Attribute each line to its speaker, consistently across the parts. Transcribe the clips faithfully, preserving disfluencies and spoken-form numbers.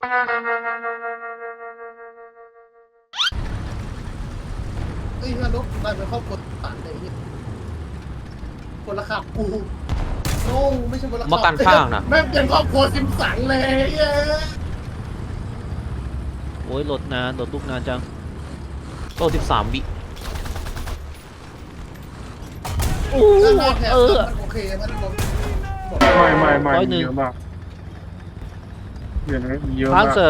Speaker 1: เฮ้ยนรกกลายเป็นครอบครัวต่างเลยคนละขับกูโน้ไม่ใช่คนละขับ
Speaker 2: มากันข้างนะ
Speaker 1: แม่งเป็นครอบครัวซิมสันเลยเย้
Speaker 3: โอ้ยโหลดนานโหลดลูกนานจัง
Speaker 2: โลสิบสามวิ
Speaker 3: โอ้
Speaker 1: ถ้าหน้าแถบ
Speaker 3: เออ
Speaker 1: มันโอเคมันผม
Speaker 4: ไม่ไม่ไม่
Speaker 3: ร้อยหนึ่ง
Speaker 4: เยอะมากเดี๋ยวนะเยอะ
Speaker 3: พาร์
Speaker 4: มาก
Speaker 3: เซอร์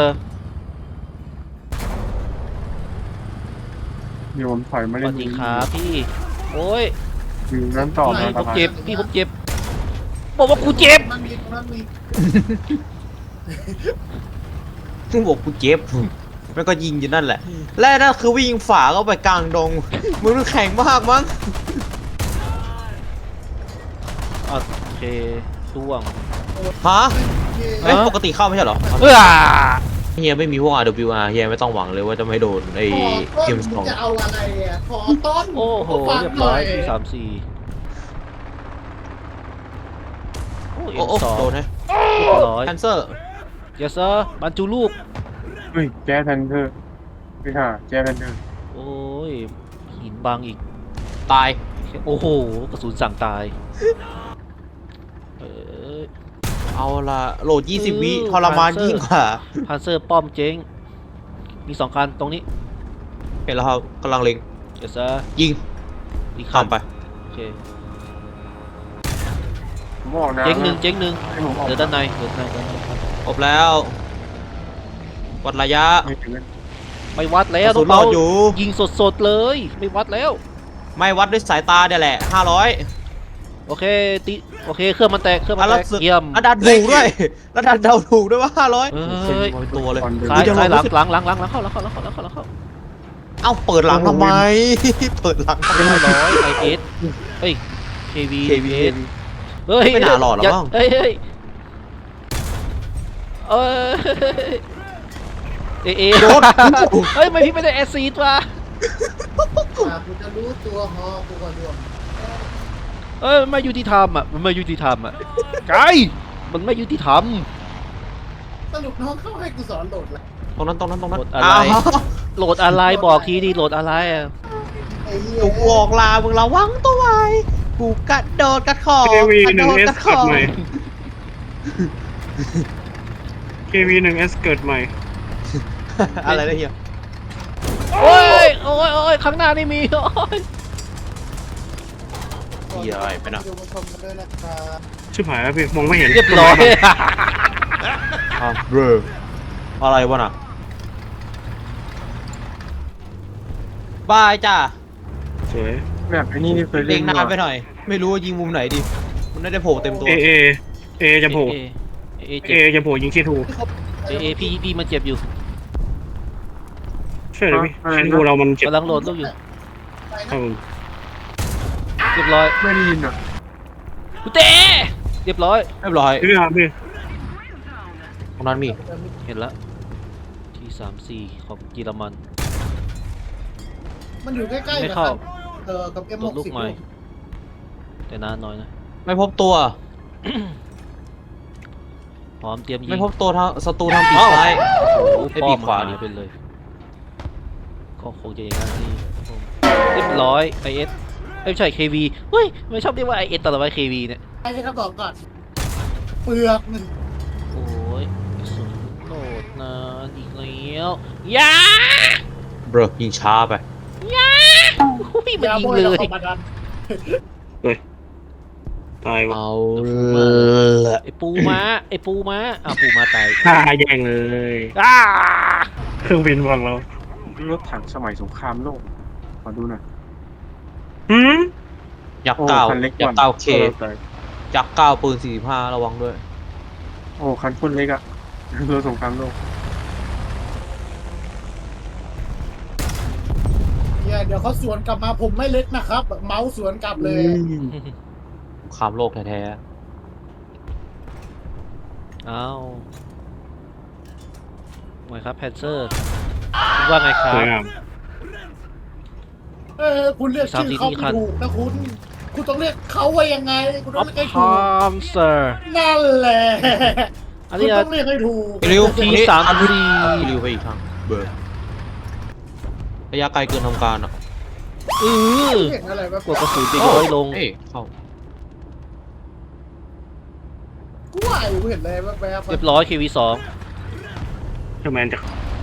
Speaker 4: เดี๋ยวผมถอยมา
Speaker 3: ส
Speaker 4: เล่
Speaker 3: วัน สดีครับพี่โอ้ย
Speaker 4: อยู่นั้นต่อ
Speaker 3: พี่
Speaker 4: นะค
Speaker 3: ผ
Speaker 4: รับ
Speaker 3: มเจ็บพี่ผมเจ็บบอกว่ากูเจ็บ
Speaker 1: มันมีมันมี
Speaker 2: ซึ่งบอกกูเจ็บแล้วก็ยิงอยู่นั่นแหละ และนั่นคือวิ่งฝ่าเข้าไปกลางดงมึงแข็งมากมั้ง
Speaker 3: โอเคช่วง
Speaker 2: ฮะ
Speaker 1: เย้
Speaker 2: เอ้ย
Speaker 3: ฮะ
Speaker 2: ปกติเข้าไม่ใช่เหรอ
Speaker 3: เอ้อ
Speaker 2: เฮียไม่มีพวก อาร์ ดับเบิลยู อาร์ เฮียไม่ต้องหวังเลยว่าจะไม่โดนไอ้
Speaker 1: ขอต้
Speaker 2: เก
Speaker 1: น
Speaker 2: มส
Speaker 1: มึ
Speaker 2: อง ง
Speaker 1: จะเอาอะไรอ่ะขอต้น
Speaker 3: โอ้โห
Speaker 1: ฟัง
Speaker 3: เรียบ
Speaker 1: ห
Speaker 3: ร้
Speaker 1: น่
Speaker 3: อ
Speaker 1: อย ย
Speaker 3: ที่สามสี่โอ้เอ็
Speaker 2: โอ้
Speaker 3: ม
Speaker 2: โอ้
Speaker 3: สอง
Speaker 2: โดนฮะ
Speaker 3: เรียบร้อย
Speaker 2: แคนเซอร์
Speaker 3: เยสเซอร์บรรจุลูก
Speaker 4: เฮ้ยแจ๊สแพนเทอร์ไม่ค่ะแจ๊สแพนเทอร์
Speaker 3: โอ้ยหินบังอีก
Speaker 2: ตาย
Speaker 3: โอ้โหกระสุนสั่งตายเออ
Speaker 2: เอาละโหลดยี่สิบวิ
Speaker 3: เออ
Speaker 2: ทรมาน
Speaker 3: Panzer
Speaker 2: ยิ่งกว่า
Speaker 3: พานเซอร์ป้อมเจ๊งมีสองคันตรงนี้
Speaker 2: เห็นแล้วครับกำลังเล็ง
Speaker 3: เยสเซอร์
Speaker 2: ยิง
Speaker 3: อีกคั
Speaker 2: ข้าน มไป
Speaker 3: โอเค
Speaker 4: ผมบอกนะ
Speaker 3: เจ๊งหนึ่งเจ๊งหนึ่ง
Speaker 4: ให้ผมออก
Speaker 3: เดี๋ยวด้านในเดี๋ยวด้านในด้านในครับ
Speaker 2: ครบแล้ววัดระยะ
Speaker 4: ไม่ถึงนะ
Speaker 3: ไม่วัดแล้
Speaker 2: ก
Speaker 3: ว
Speaker 2: ระสุน
Speaker 3: น้
Speaker 2: ร
Speaker 3: อ
Speaker 2: อง ดอยู่
Speaker 3: ๆยิงสดๆเลย ไม่วัดแล้ว
Speaker 2: ไม่วัดด้วยสายตาเดี๋ยวแหละห้าร้อย
Speaker 3: โอเคติโอเคเครื่องมันแตกเครื่องมั
Speaker 2: อ่ะ
Speaker 3: น
Speaker 2: แล้
Speaker 3: แต
Speaker 2: ว
Speaker 3: ก
Speaker 2: สึก
Speaker 3: เยี่ยม
Speaker 2: อ่ะดันถูกด้วยแล้วดันเดาถูกด้วยว่าห้าร้อย
Speaker 3: เอ้ย
Speaker 2: เป็นตัวเลย
Speaker 4: ก่อนเดิน
Speaker 3: ซ้าย
Speaker 2: จะลง
Speaker 3: ซ้ายหลัง
Speaker 2: รู้สึก
Speaker 3: หลังหลังหลังหลังเข้าหลังเข้าหลังเข้าหลังเข้าหลังเข้า
Speaker 2: เอ้าเปิดหลังทำไม เปิดหลังทำไม
Speaker 3: ห้าร้อยไอเอสเฮ้ยเควี
Speaker 2: เค วี
Speaker 3: เฮ้ย
Speaker 2: ไม่น่าหลอดหรอก
Speaker 3: ย่า
Speaker 2: มั้ง
Speaker 3: เฮ้ยเฮ้ยเอ้ยเอเอ
Speaker 2: โดน
Speaker 3: เฮ้ยไม่พี่ไม่ได้แอซซีดว่ะ
Speaker 1: อ่ะกูจะรู้ตัวฮอกูก่อนด้วย
Speaker 3: เอ้ยมันไม่ยุติธรรมอ่ะมันไม่ยุติธรรมอ่ะไกลมันไม่ยุติธรรม
Speaker 1: สรุปน้องเข้าให้กูสอนโหลดละ
Speaker 2: ตรงนั้นตรงนั้นตรงนั้น
Speaker 3: โหลดอะไร
Speaker 2: อ้าว
Speaker 3: โหลดอะไรบอกทีดิโหลดอะไรอ่ะ
Speaker 1: ไอ้เหี้ย
Speaker 2: ถูกบอกลามึงระวังตัวไว้กูกระโดดกระขอบ
Speaker 5: เควี
Speaker 2: กระ
Speaker 5: หนึ่
Speaker 2: โด
Speaker 5: ง
Speaker 2: ด
Speaker 5: เอก
Speaker 2: ระ
Speaker 5: ส
Speaker 2: ข
Speaker 5: เกิ
Speaker 2: อ
Speaker 5: ด
Speaker 2: บ
Speaker 5: ใหม่เควีหนึ่งเอสเกิดใหม่
Speaker 2: อะไรนะเฮีย
Speaker 3: โอ้ยโอ้ยโอ้ยข้างหน้านี่มีโอ้ย
Speaker 2: เฮียอะไรไปนะ
Speaker 1: ดูมาชมกันด้วยนะครับ
Speaker 5: ชิบหายแล้วพี่มองไม่เห็น
Speaker 3: เรียบร้อย
Speaker 2: อ่ะเบรออะไรวะน่ะบายจ้า
Speaker 5: สวย
Speaker 4: แบบไอ้นี่นี่เคย
Speaker 2: เล็
Speaker 4: เล่
Speaker 2: ง
Speaker 4: น
Speaker 2: นานไป
Speaker 4: มา
Speaker 2: หน่อย ไม่รู้ว่ายิงมุมไหนดีมันไม่ได้โผล่เต็มตัว
Speaker 5: เอเอเอจะโผล่
Speaker 3: เอเอ
Speaker 5: เอ
Speaker 3: เจ็บ
Speaker 5: จะโผล่ยิงเคทู
Speaker 3: เอเอพี่พี่มันเจ็บอยู่
Speaker 5: ใช่เลยพี่เคทูเรามันเจ็บ
Speaker 3: กำลังโหลดลูกอยู่
Speaker 5: ครับผม
Speaker 3: เรียบร้อย
Speaker 4: ไม่ได้ยินอ่ะ
Speaker 3: กูเตะเรียบร้อย
Speaker 2: เรียบร้อย
Speaker 5: พี่ครับพี่
Speaker 2: ตรงนั้นมี
Speaker 3: เห็นแล้วที่สามสี่ของเยอรมัน
Speaker 1: มันอยู่ใกล้ๆ
Speaker 3: ไม่
Speaker 1: นะค
Speaker 3: เข้า
Speaker 1: รับเออกับ เอ็ม
Speaker 3: โหล
Speaker 1: ห
Speaker 3: ด
Speaker 1: ก
Speaker 3: ลูก
Speaker 1: สิบ
Speaker 3: ใหม่แต่นานหน่อยนะ
Speaker 2: ไม่พบตัว
Speaker 3: พร้อมเตรียมยิง
Speaker 2: ไม่พบตัวทางศัตรูทางปีกซ้าย
Speaker 3: โอ้โห
Speaker 2: ให้
Speaker 3: ป้
Speaker 2: ปี
Speaker 3: อม
Speaker 2: กขวา
Speaker 3: หาย
Speaker 2: ดิ
Speaker 3: ไปเลยก็คงจะอย่างนั้นที่เรียบร้อยไอเอสไม่ใช่เควีเฮ้ยไม่ชอบเรียกว่าไอเอสตลอดไปเควีเนี่ย
Speaker 1: ไอ้ที่เขาบอกก่อน เปลือกมัน
Speaker 3: โอ้ยกระสุนโหลดนานอีกแล้วยา
Speaker 2: เบรอยิงช้าไป
Speaker 3: อุ้ยมัน
Speaker 1: ยา
Speaker 3: ยิ
Speaker 1: โบ
Speaker 3: ง
Speaker 1: ย
Speaker 3: เล
Speaker 1: เรา
Speaker 3: ย
Speaker 1: เข้ามาดัน
Speaker 5: ตายวะ
Speaker 2: เอา
Speaker 3: ละ ไอปูม้าไอปูม้าอ่ะปูม้าตาย
Speaker 5: ฆ่าแย่งเลย
Speaker 3: อ้า
Speaker 5: เครื่องบินฝั่งเรา
Speaker 4: รถถังสมัยสงครามโลกขอดูหน่อย
Speaker 5: หืม
Speaker 2: ยักษ์
Speaker 4: โอ้
Speaker 2: เก้า
Speaker 4: คันเล็ก
Speaker 2: ยักษ์เก้าเค
Speaker 4: ออแต่
Speaker 2: ยักษ์เก้าปืนสี่สิบห้าระวังด้วย
Speaker 4: โอ้คันคนเล็กอ่ะรถสงครามโลก
Speaker 1: เนี่ยเดี๋ยวเขาสวนกลับมาผมไม่เล็กนะครับ เมาส์สวนกลับเลย
Speaker 2: สงครามโลกแท้
Speaker 3: อ้าวไงครับแพนเซอร์คุณว่าไงครั
Speaker 5: ส
Speaker 3: บ
Speaker 5: วยงาม
Speaker 1: เออคุณเรียกชื่อเขาไม่ถูกนะคุณ คุณต้องเรียกเขาว่ายังไง คุณต้องเรียกให้
Speaker 3: พ
Speaker 1: ถูก
Speaker 3: ามเซอร์
Speaker 1: นั่นแหละ
Speaker 3: อัน
Speaker 1: คุณ
Speaker 3: นี้
Speaker 1: ต้องเรียกให้ถูก
Speaker 2: เร็ว
Speaker 3: ทีสามที
Speaker 2: เร็วไปอีกทางเบอร์ระยะไกลเกินทำการอ่ะ
Speaker 3: เออ
Speaker 1: เห็นอะไรแบบ
Speaker 3: กดกระสุนจะย้อยลง
Speaker 2: เอ้ยเข้า
Speaker 1: กูว่าอยู่กูเห็นอะไรแบบแบบ
Speaker 3: เรียบร้อยเควีสอง
Speaker 5: เจ้าแมนจะ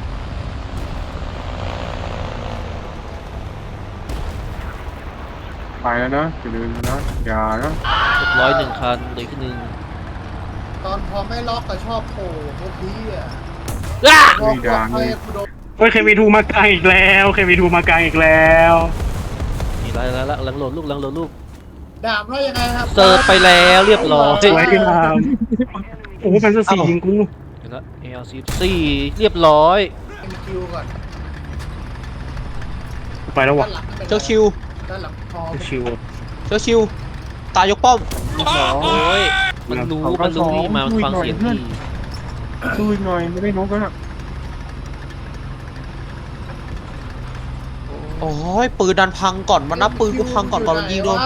Speaker 4: ไปแล้วนะอย่าลืมนะอย่านะ
Speaker 3: เรียบร้อยหนึ่งคันเหลยขึ้นหนึ่ง
Speaker 1: ตอนพอไม่ล็อกก็ชอบโผล่พวกนี้อ่ะ
Speaker 3: อ้า
Speaker 1: พอพอไปกูโดน
Speaker 5: เฮ้ยเควีทูมากลางอีกแล้วเควีทูมากลางอีกแล้ว
Speaker 3: นี่ไรแล้วละหลังโหลดลูกหลังโหลดลูก
Speaker 1: ดาบว่ายังไงครับ
Speaker 3: เสิร์ฟไปแล้วเรียบร้อย
Speaker 5: สวยงามโอ้โหแฟนตาซียิงกู
Speaker 3: เห็นละเอลสิบสี่เรียบร้อย
Speaker 1: มีคิวก่อน
Speaker 5: กูไปแล้ววะ
Speaker 1: ด้านหลังไม่ป็นไร
Speaker 2: เจ้าคิว
Speaker 1: ด้านหลังพอ
Speaker 5: ชิว
Speaker 2: เจ้าคิวตายยกป้อม
Speaker 3: โอ้ยมันรู้มันรู้ที่มามันฟังเสียงที่
Speaker 4: สู้อีกหน่อยไม่ได้นกแล้วนะ
Speaker 2: โอ้ยปืนดันพังก่อนมันนับปืนกูพังก่อนตอนมันยิงโดน
Speaker 1: วะ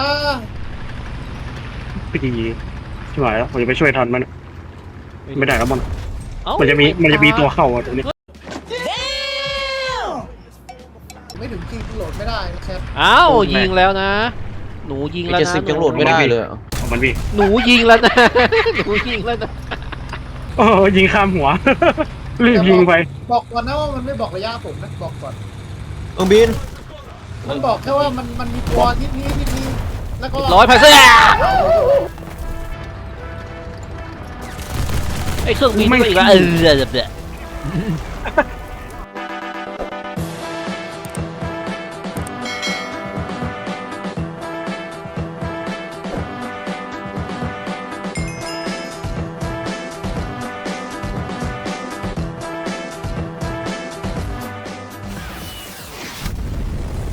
Speaker 5: พี่ดีชิบหายแล้วผมจะไปช่วยทันมันไม่ได้แล้วมัน
Speaker 3: เอ้า
Speaker 5: มันจะมีมันจะมีตัวเข้าอ่ะตรงนี้
Speaker 1: ไม่ถึงคิวโหลดไม่ได้นะแคท
Speaker 3: เอ้าวยิงแล้วนะ หนูยิง
Speaker 2: ไอ้
Speaker 3: แล้ว
Speaker 2: เจ็ด
Speaker 3: นะ
Speaker 2: สิบยังโหลดไม่ได้เลยอะ
Speaker 5: ของมันพี่
Speaker 3: หนูยิงแล้วนะ หนูยิงแล้วนะ
Speaker 5: โอ้ยิงข้ามหัว รีบยิงไป
Speaker 1: บอกก่อนนะว่ามันไม่บอกระยะผมนะบอกก่อน
Speaker 2: เอิงบิน
Speaker 1: มันบอกแค่ว่ามันมันมีตัวที่นี้ที่นี้แล้วก็
Speaker 3: ร้อยไพเซอร์ไอ้เครื่องบินก็อีกแล้วเออเดี๋ยว